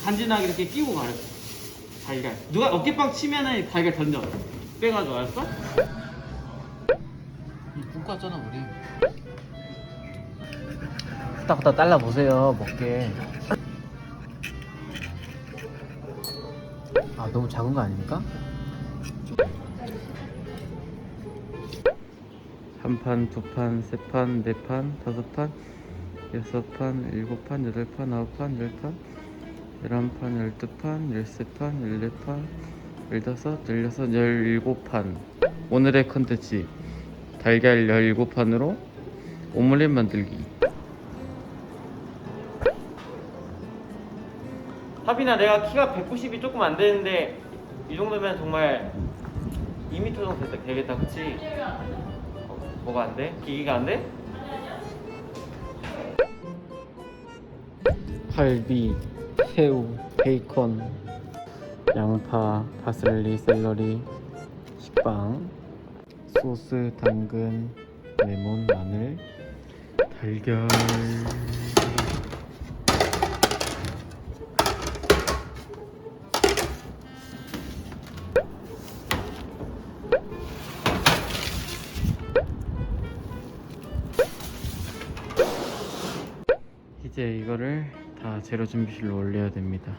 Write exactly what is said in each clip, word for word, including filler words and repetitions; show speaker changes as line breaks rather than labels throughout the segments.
간지나게 이렇게 끼고 가래. 달걀. 누가 어깨빵 치면은 달걀 던져. 빼가지고 알았어? 국 같잖아 우리. 후딱후딱 잘라 보세요 먹게. 아 너무 작은 거 아닙니까? 한 판, 두 판, 세 판, 네 판, 다섯 판, 여섯 판, 일곱 판, 여덟 판, 아홉 판, 열 판, 열한 판, 열두 판, 열세 판, 열네 판, 열다섯, 열여섯, 열일곱 판. 오늘의 컨텐츠 달걀 열일곱 판으로 오믈렛 만들기. 하빈아, 내가 키가 백구십이 조금 안 되는데 이 정도면 정말 이 미터 정도 되겠다, 그치? 어, 뭐가 안 돼? 기기가 안 돼? 갈비, 새우, 베이컨, 양파, 파슬리, 샐러리, 식빵, 소스, 당근, 레몬, 마늘, 달걀. 이제 이거를 다 재료 준비실로 올려야 됩니다.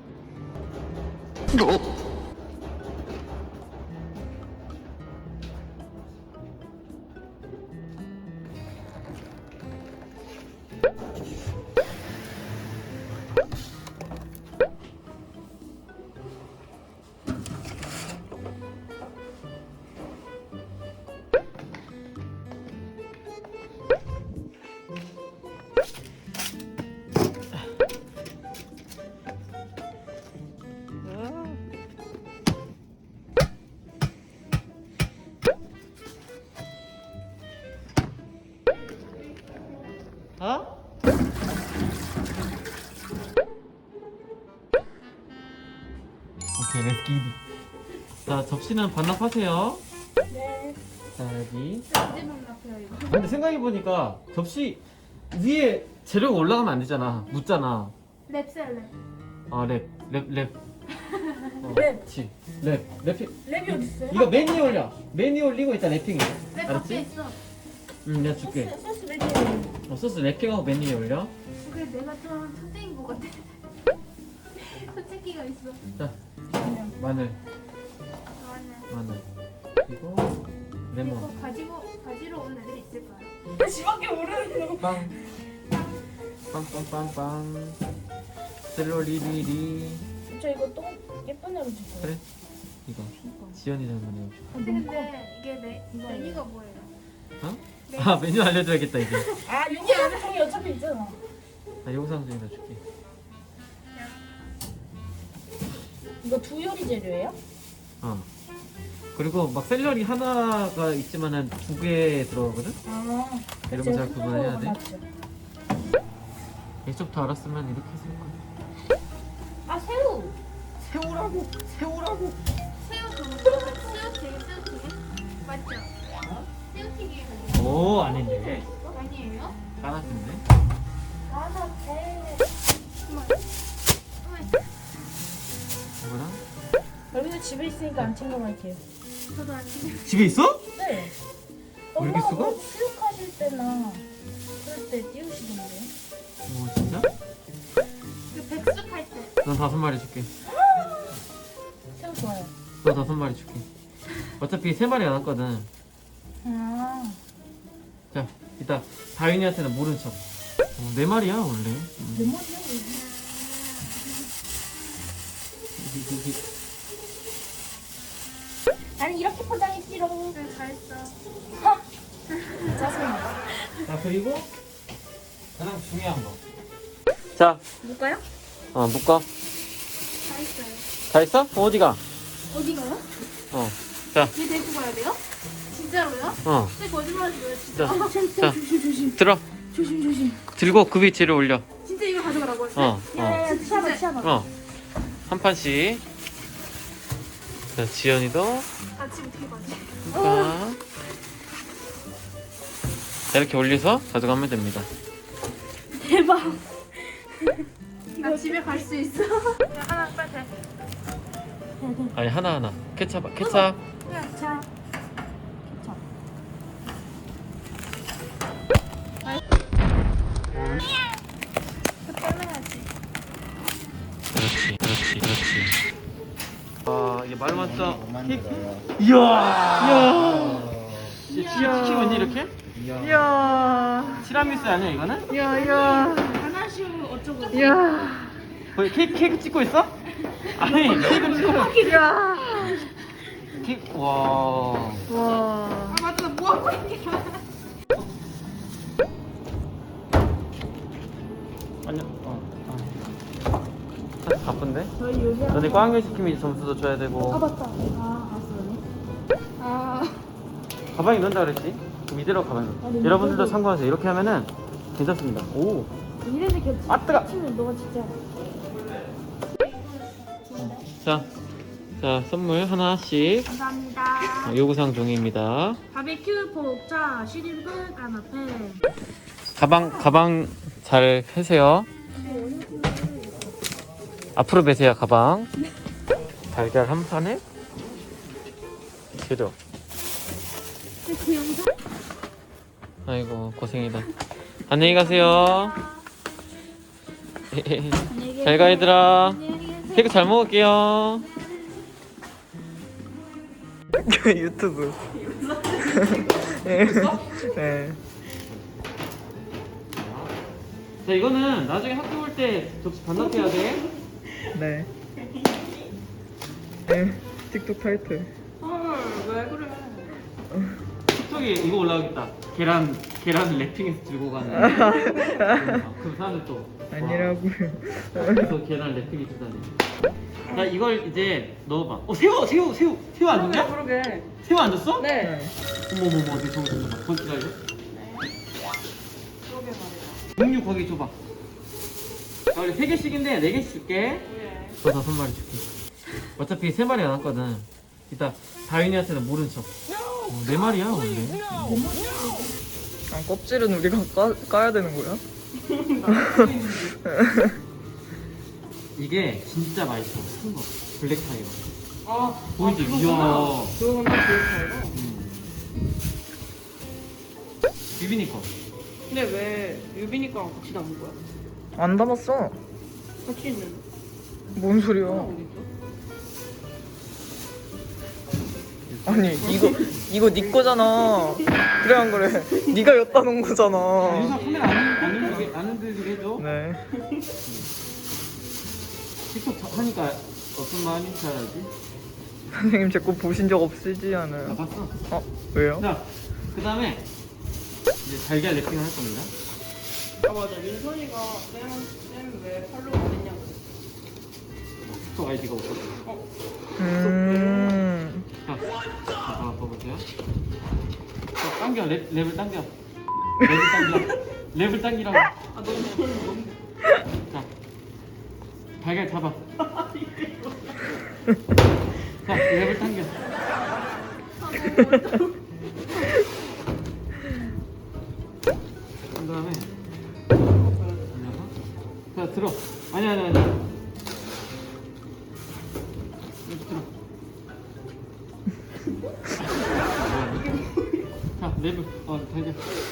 어? 오케이, 렛츠 기릿. 자, 접시는 반납하세요.
네.
자, 여기.
언제 만나세요 이거?
아, 근데 생각해보니까 접시 위에 재료가 올라가면 안 되잖아. 묻잖아.
랩셀 랩.
아, 랩, 랩, 랩. 어,
랩.
그치. 랩, 랩.
랩이 어딨어요?
이거 맨 위에 올려. 맨 위에 올리고 일단 랩핑해.
랩 밖에
알았지?
있어.
응, 내가 줄게.
소스, 소스 랩이.
어, 소스 랩핑하고 맨 위에 올려.
그래 내가 좀 천재인 것 같아. 솔직히가 있어.
자, 마늘,
좋아하네.
마늘. 그리고 레몬.
이거 가지고 가지러 온 애들 있을까요? 지밖에 모르는
빵. 빵빵빵빵. 셀러리리리.
저 이거 똥 예쁜 애로 줄게요.
그래? 이거. 지연이 잘못해.
근데, 근데 이게 메, 메뉴가 뭐예요?
어? 아, 메뉴 알려줘야겠다 이제.
아 영상통이 어차피 있잖아.
나 영상 중에다 줄게.
이거 두 요리 재료예요?
어. 그리고 막 샐러리 하나가 있지만은 두 개 들어가거든?
아.
이런 거 잘 구분해야 돼. 예초부터 알았으면 이렇게 했을 거야.
아 새우.
새우라고! 새우라고!
새우 그거 새우튀김 새우튀김 맞죠? 새우튀김
오, 아닌데.
아니에요?
까놨는데?
가서 배.
뭐랑?
여기서 집에 있으니까 안 챙겨갈게요. 저도 안 챙겨.
집에 있어?
네.
왜 이렇게
엄마가
쓰고?
뭐 수육하실 때나 그럴 때 띄우시던데요.
오, 진짜?
그 백숙 할 때.
넌 다섯 마리 줄게.
새우 좋아요.
너 다섯 마리 줄게. 어차피 세 마리 안 왔거든.
아.
자, 이따 다윈이한테는 모른 척. 어, 네 마리야 원래. 음.
내 머리야? 아니 이렇게 포장했지롱. 네, 잘했어. 짜증나.
자, 그리고 가장 중요한 거. 자,
뭘까요?
어, 묶어.
다 있어요.
다 있어? 어디가?
어디 가요?
어. 자,
얘 데리고 가야 돼요? 진짜로요?
어.
쟤 거짓말하지 마요 진짜.
자,
아, 참,
자.
조심 조심.
들어.
조심 조심.
들고 그 위치를 올려.
진짜 이걸 가져가라고 했어?
어,
야야야 치아봐 치아봐.
어. 한 판씩. 자, 지연이도
아 지금 어떻게 가지?
한 판. 자, 이렇게 올려서 가져가면 됩니다.
대박. 나 집에 갈 수 있어. 하나 빨리 돼.
아니 하나 하나. 케찹 케찹.
자. 케찹.
그렇지 그렇지 그렇지. 아 이게 말만 써. 이야 이야. 치킨 왠지 이렇게?
이야,
티라미수 아니야 이거는?
이야, 이야,
하나씩 어쩌고.
이야,
거의 케이크, 케이크 찍고 있어? 아니 케이크 찍고
이야.
케이크 와.
와.
아 맞다. 뭐 하고 있냐?
아니요. 어. 어. 사실 바쁜데?
저희 요리.
너네 꽝을 시키면 점수도 줘야 되고.
아 맞다. 아 알았어. 아.
가방에 넣는다 그랬지? 그럼 이대로 가방에 넣어.
아, 네,
여러분들도
이대로.
참고하세요. 이렇게 하면은 괜찮습니다. 오.
이래서 겹치.
아, 뜨거.
치면 너가 진짜.
자, 자 선물 하나씩.
감사합니다.
어, 요구사항 종이입니다.
바베큐 포차 시림프 까나페.
가방 가방 잘 펴세요. 앞으로 매세요 가방. 달걀 한 판에 재료.
그 영상.
아이고 고생이다. 안녕히 가세요. 잘 가 얘들아. 케이크 잘 먹을게요.
유튜브. 네. 네.
자 이거는 나중에 학교 올 때 접시 반납해야 돼.
네. 네. 틱톡 타이틀.
헐왜 그래?
틱톡에 이거 올라오겠다. 계란 계란 랩핑해서 들고 가는. 그럼 사람들 또
아니라고요.
그래서 계란 랩핑이 주다니. 자 이걸 이제 넣어봐. 어 새우 새우 새우 새우 안 줬냐?
그러게.
새우 안 줬어?
네.
어머 어머 어머 저거 저거 봐. 거기 기다려.
그러게 말이야.
육류 거기 줘봐. 아, 원래 세 개씩인데 네 개씩 줄게. 저 다섯 마리 줄게. 어차피 세 마리 안 왔거든. 이따 다윤이한테는 모른 척. 어, 네 마리야 원래.
아, 껍질은 우리가 까, 까야 되는 거야?
이게 진짜 맛있어. 큰 거. 블랙 타이거.
아.
보이지? 이야.
그거는 비슷해요.
음. 유빈이 거.
근데 왜 유빈이 거랑 같이 남은 거야?
안 담았어.
같이 있는.
뭔 소리야?
어디 있어?
아니 이거 이거 네 거잖아. 그래 안 그래? 네가 엿다 놓은
유사
거잖아.
카메라 안, 안 흔들게 안 흔들게 해줘.
네.
틱톡 저- 하니까 어떤 마음인지 알지?
선생님 제 거 보신 적 없으지
아
않아요?
봤어.
어 왜요?
자, 그 다음에 이제 달걀 랩핑을 할 겁니다.
아 맞아. 민선이가 쌤쌤왜 팔로우 안 했냐고.
틱톡 아이디가 없어.
음.
자, 자, 봐보세요. 자, 당겨, 랩, 랩을 당겨. 랩을 당겨. 랩을 당기라고.
아 너무 너무.
자, 달걀 잡아. 자, 랩을 당겨. 그 다음에 올려서. 자, 들어. 아니, 아니, 아니. 이렇게 들어. 자, 랩을. 어, 달걀.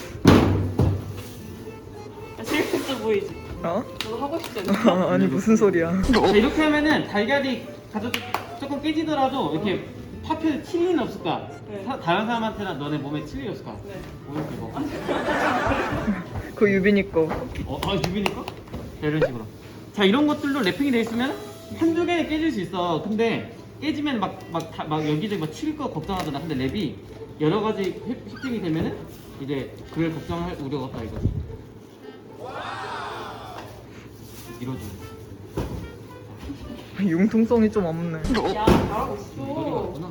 야, 재밌어 보이지?
어?
너도 하고 싶지 않냐?
아, 아니 무슨 소리야?
자, 이렇게 하면은 달걀이 가져 조금 깨지더라도 이렇게 파편에 칠 리는 없을 거야.
네.
사- 다른 사람한테나 너네 몸에 칠 일이 없을 거야.
네.
뭐 이렇게 먹어.
그 유빈이 거.
어, 아 유빈이 거? 자, 이런 식으로. 자, 이런 것들로 랩핑이 돼 있으면 한두 개는 깨질 수 있어. 근데 깨지면 막 막 막 여기저기 막 칠 거 걱정하잖아. 근데 랩이 여러 가지 획- 획득이 되면은 이제 그걸 걱정할 우려가 없다 이거지. 이러죠.
융통성이 좀 없네.
야 잘하고
이거리가
있어.
없구나.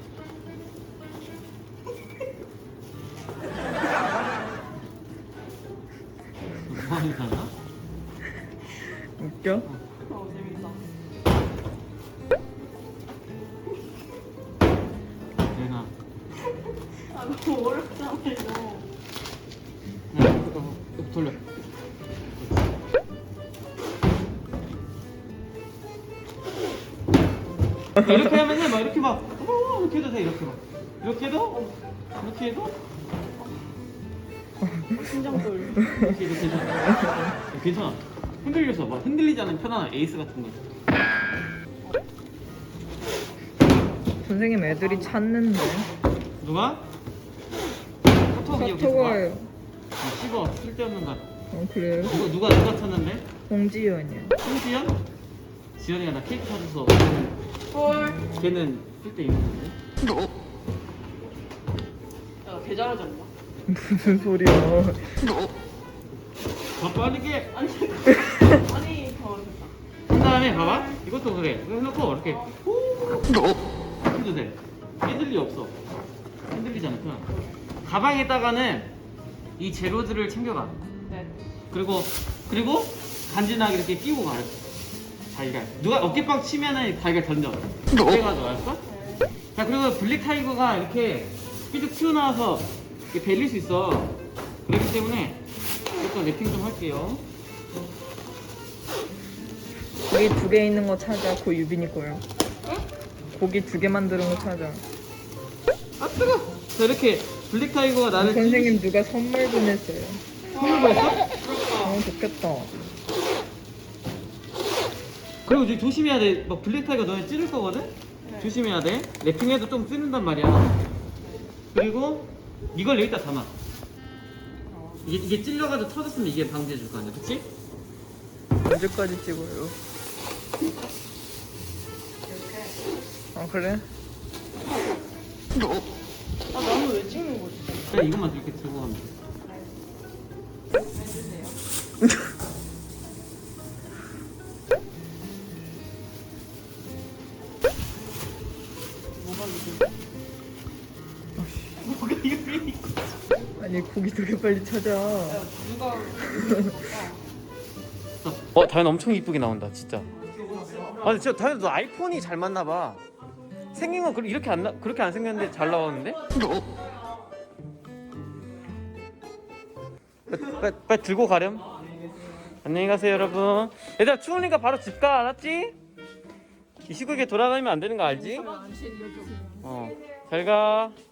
뭐하는 사람?
웃겨?
어 재밌다.
내가
아 너무 어렵잖아 이거.
네, 이거 돌려. 이렇게 하면은 막 이렇게 막 어머 이렇게 해도 돼. 이렇게 막 이렇게 해도 어, 이렇게 해도
심장돌.
이렇게 해도 괜찮아. 괜찮아. 흔들려서 막 흔들리지 않는 편안한 에이스 같은 거.
선생님 애들이 찾는데.
누가? 카톡이 여기 누가?
카톡을.
아, 씹어 쓸데없는 거.
어 그래요?
누가 누가 누가 찾는데?
홍지연이요.
홍지연? 지연이가 나 케이크 사줘서
헐.
걔는 쓸데 있는 건데.
야, 개 잘하지 않나?
무슨 소리야?
더 빠르게
아니, 아니, 더 어렵다.
한 다음에 봐봐. 이것도 그래. 이거 해놓고 이렇게 후 해도 돼. 흔들리 없어. 흔들리지 않구나. 가방에다가는 이 재료들을 챙겨가.
네.
그리고 그리고 간지나게 이렇게 끼고 가. 달걀. 누가 어깨빵 치면은 달걀 던져. 그래가지고 알았어? 자 그리고 블랙 타이거가 이렇게 삐죽 튀어나와서 이렇게 베릴 수 있어. 그렇기 때문에 이것도 랩핑 좀 할게요.
고기 두 개 있는 거 찾아. 그 유빈이 거야. 고기 두 개 만드는 거 찾아.
아 뜨거. 자 이렇게 블랙 타이거가 나를
선생님 누가 선물 보냈어요.
선물 받았어?
어 좋겠다.
그리고 이제 조심해야 돼. 막 블랙 타이거 너네 찌를 거거든. 조심해야 돼. 랩핑해도 좀 찌른단 말이야. 그리고 이걸 여기다 담아. 이게, 이게 찔려가지고 터졌으면 이게 방지해 줄 거 아니야, 그치?
언제까지 찍어요? 아 그래?
아, 나는 왜 찍는 거지?
그냥 이것만 이렇게 들고 가면 돼.
해주세요. 뭐가 이거? 뭐가 이거 있고?
아니 고기 두 개 빨리 찾아.
야, 누가?
어, 다현 엄청 이쁘게 나온다, 진짜. 아, 근데 진짜 다현 너 아이폰이 잘 맞나 봐. 생긴 건 그렇게 이렇게 안 나, 그렇게 안 생겼는데 잘 나왔는데? 빨리, 빨리, 빨리 들고 가렴. 안녕히 가세요, 여러분. 얘들아 추우니까 바로 집 가, 알았지? 이 시국에 돌아다니면 안 되는 거 알지? 어, 잘 가.